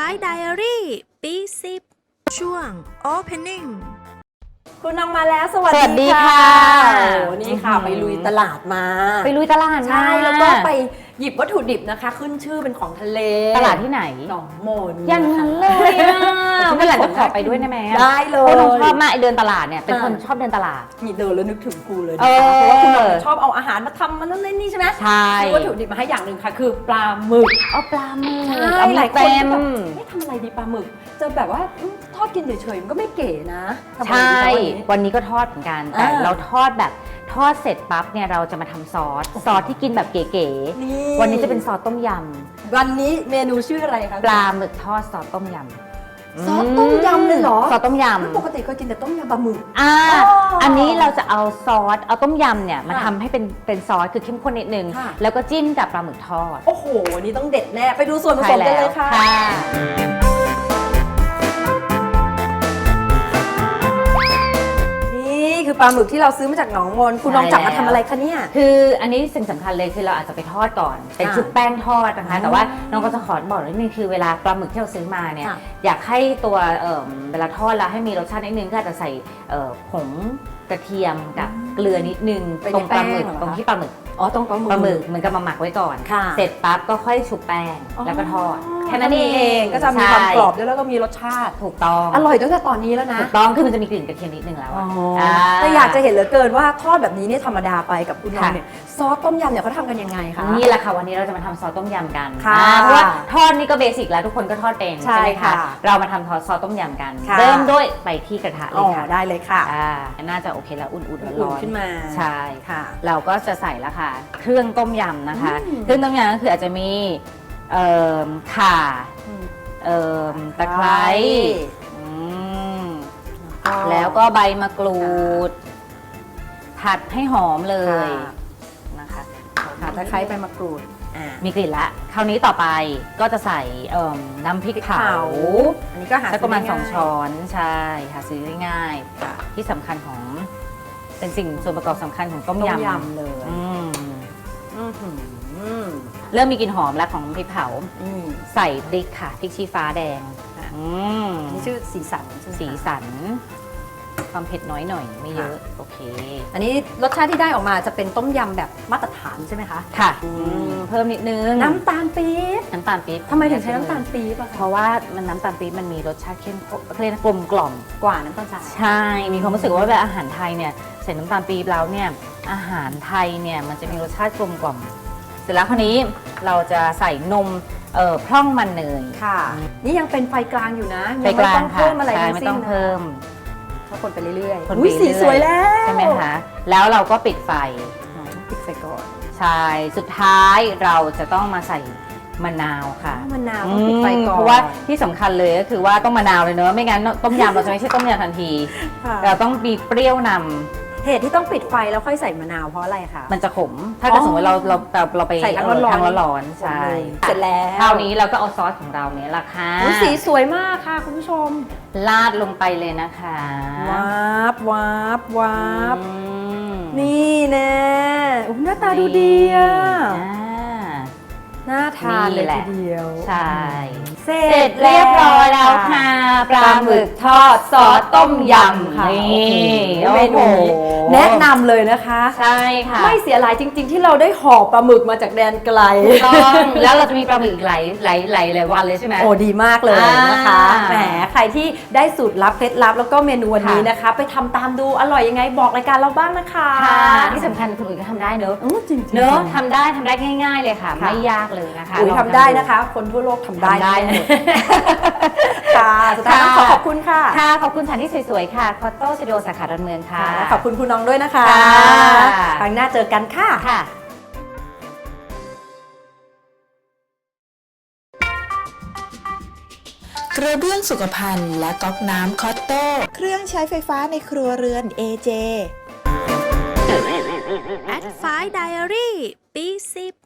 ไดอารี่ปี10ช่วง Opening คุณน้องมาแล้วสวัสสวัสดีดีค่ะโอ้นี่ค่ะไปลุยตลาดมาไปลุยตลาดใช่แล้วก็ไปหยิบวัตถุดิบนะคะ ขึ้นชื่อเป็นของทะเลตลาดที่ไหนหนองมนอย่างนั้นเลยอ่ะเมื่อไหร่จะขอไปด้วยได้ไหมได้เลเพยราะน้องชอบมากไอเดินตลาดเนี่ยเป็นคนชอบเดินตลาดนี่เดินแล้วนึกถึงกูเลยเอนะคะอเพราะว่าคุณน้องชอบเอาอาหารมาทำมันนั่นนี่ใช่ไหมใช่มีวัตถุดิบมาให้อย่างหนึ่งค่ะคือปลาหมึกเอาปลาหมึกใช่เอาหลายคนเต็มแบบไม่ทำอะไรดีปลาหมึกจะแบบว่าทอดกินเฉยๆมันก็ไม่เก๋นะทำอะไรใช่ดีคะวันนี้วันนี้ก็ทอดเหมือนกันแต่อ่าเราทอดแบบทอดเสร็จปั๊บเนี่ยเราจะมาทำซอสที่กินแบบเก๋นี่ๆวันนี้จะเป็นซอสต้มยวันนี้เมนูชื่ออะไรคะำปลาหมึกทอดซอสต้มยำซอสต้มยำเลยเหรอซอสต้มยแล้วปกติเคยกินแต่ต้มยำปลาหมึกำอ๋ออัอันนี้เราจะเอาซอสเอาต้มยำเนี่ยมาค่ะทำให้เป็นซอสคือเข้มข้นนิดนึงค่ะแล้วก็จิ้มกับปลาหมึกทอดโอ้โหวันนี้ต้องเด็ดแน่ ไปดูส่วนผสมกันเลยค่ะ นี่คือปลาหมึกที่เราซื้อมาจากหนองมนคุณน้องจับมาทำอะไรคะเนี่ยคืออันนี้สิ่งสำคัญเลยคือเราอาจจะไปทอดก่อน เป็นชุบแป้งทอดนะคะ แต่ว่าน้องก็จะขอบอกนิดนึงคือเวลาปลาหมึกที่เราซื้อมาเนี่ยค่ะอยากให้ตัวเวลาทอดแล้วให้มีรสชาตินิดนึงก็อาจจะใส่ผงกระเทียมกับเกลือนิดนึงไปในตรงปลาหมึกแป้งเหรอคะตรงที่ปลาหมึกอ๋อต้องปลาหมึกปลาหมึกเหมือนกับมาหมักไว้ก่อนค่ะเสร็จปั๊บก็ค่อยชุบแป้งแล้วก็ทอดแค่นั้นเองก็จะมีความใช่กรอบด้วยแล้วก็มีรสชาติถูกต้องอร่อยตั้งแต่ตอนนี้แล้วนะถูกต้องคือมันจะมีกลิ่นกระเทียมนิดนึงแล้วอะาแต่อยากจะเห็นเหลือเกินว่าทอดแบบนี้เนี่ยธรรมดาไปกับคุณน้องค่ะเนี่ยซอสต้มยำเนี่ยเขาทำกันยังไงคะนี่แหละค่ะวันนี้เราจะมาทำซอสต้มยำกันค่ะเพราะว่าทอดนี่ก็เบสิกแล้วทุกคนก็ทอดเป็นใช่ไหมค่ะเรามาทำซอสต้มยำกันค่ะเริ่มด้วยไปที่กระทะเลอ๋อยค่ะได้เลยค่ะน่าจะโอเคแล้วอุ่นๆอุ่ร้อน นๆขึ้นมาใช่ค่ะเราก็จะใส่แล้วค่ะ เครื่องต้มยำนะคะอืมเครื่องต้มยำก็คืออาจจะมีข่าตะไคร้อืมแล้วก็ใบมะกรูด ผัดให้หอมเลยนะคะค่ะตะไคร้ใบมะกรูดมีกลิ่นละ คราวนี้ต่อไปก็จะใส่น้ำพริกเผาอันนี้ก็หาสักประมาณซื้อ 2 ช้อนใช่หาซื้อได้ง่ายที่สำคัญของเป็นสิ่งส่วนประกอบสำคัญของต้มต้มยำยำเลยอืมอื้อหือเริ่มมีกลิ่นหอมแล้วของน้ำพริกเผาอืมใส่พริกค่ะพริกชี้ฟ้าแดงค่ะอืมอันนี่ชื่อสีสันใช่ไหมคะสีสัน ความเผ็ดน้อยหน่อยไม่เยอะค่ะโอเคอันนี้รสชาติที่ได้ออกมาจะเป็นต้มยำแบบมาตรฐานใช่ไหมคะค่ะอืมเพิ่มนิดนึงน้ำตาลปี๊บน้ำตาลปี๊บทำไมถึงใช้น้ำตาลปี๊บอะเพคะราะว่ามันน้ำตาลปี๊บมันมีรสชาติเข้มข้นเรียกกลมกล่อมกว่าน้ำตาลทรายใช่ มีความรู้สึกว่าแบบอาหารไทยเนี่ยใส่น้ำตาลปี๊บแล้วเนี่ยอาหารไทยเนี่ยมันจะมีรสชาติกลมกล่อม เสร็จแล้วคราวนี้เราจะใส่นมพร่องมันเนยค่ะ นี่ยังเป็นไฟกลางอยู่นะไฟยังกไม่ลาต้งองค่ะเพิ่มอะไรใช่ทั้งไม่สิ้นต้องเพิ่มถ้าคนไปเรื่อยคนๆไปอุ้ยสีเรื่อยๆสวยแล้วใช่ไหมคะ แล้วเราก็ปิดไฟอ๋อปิดไฟก่อนใช่ สุดท้ายเราจะต้องมาใส่มะนาวค่ะมะนาวต้องปิดไฟก่อนเพราะว่าที่สำคัญเลยก็คือว่าต้องมะนาวเลยเนอะไม่งั้นต้มยำเราจะไม่ใช่ต้มยำทันทีค่ะเราต้องมีเปรี้ยวนำเหตุที่ต้องปิดไฟแล้วค่อยใส่มะนาวเพราะอะไรคะมันจะขม ถ้าเกิดสมมติเราไปใส่ทั้งร้อนๆทั้งร้อนๆใช่เสร็จแล้วคราวนี้เราก็เอาซอสของเราเนี่ยละค่ะอุ๊ยสีสวยมากค่ะคุณผู้ชมลาดลงไปเลยนะคะวาบวาบวาบอืมนี่แน่อุ๊ยหน้าตาดูดีอ่ะอ่าน่าทานเลยนี่แหละทีเดียวใช่เสร็เสร็จเรียบร้อยแล้วค่ะปลาหมึกทอดซอสต้มยำค่ะนี่โอ้โหเมนูนี้แนะนำเลยนะคะใช่ค่ะไม่เสียหลายจริง ๆ ที่เราได้ห่อปลาหมึกมาจากแดนไกลต้องแล้วเราจะมีปลาหมึกอีกหลายวันเลยใช่ไหมโอ้ดีมากเลยนะคะอ่าแหมใครที่ได้สูตรลับเคล็ดลับแล้วก็เมนูวันนี้ค่ะนะคะ ไปทำตามดูอร่อยยังไงบอกรายการเราบ้างนะคะค่ะที่สำคัญคนอื่นก็ทำได้เนอะจริงๆเนอะทำได้ง่าย ๆเลยค่ะค่ะไม่ยากเลยนะคะอุ๋ยลองทำได้นะคะ คนทั่วโลกทำได้ทำได้หมดค่ะสุดท้ายต้องขอบคุณค่ะค่ะขอบคุณสถานที่สวยๆค่ะคอตโต้สตูดิโอสาขาดอนเมืองค่ะขอบคุณคุณน้องด้วยนะคะค่ะครั้งหน้าเจอกันค่ะค่ะกระเบื้องสุขภัณฑ์และก๊อกน้ำคอตโต้เครื่องใช้ไฟฟ้าในครัวเรือน AJ At 5 Diary ปี10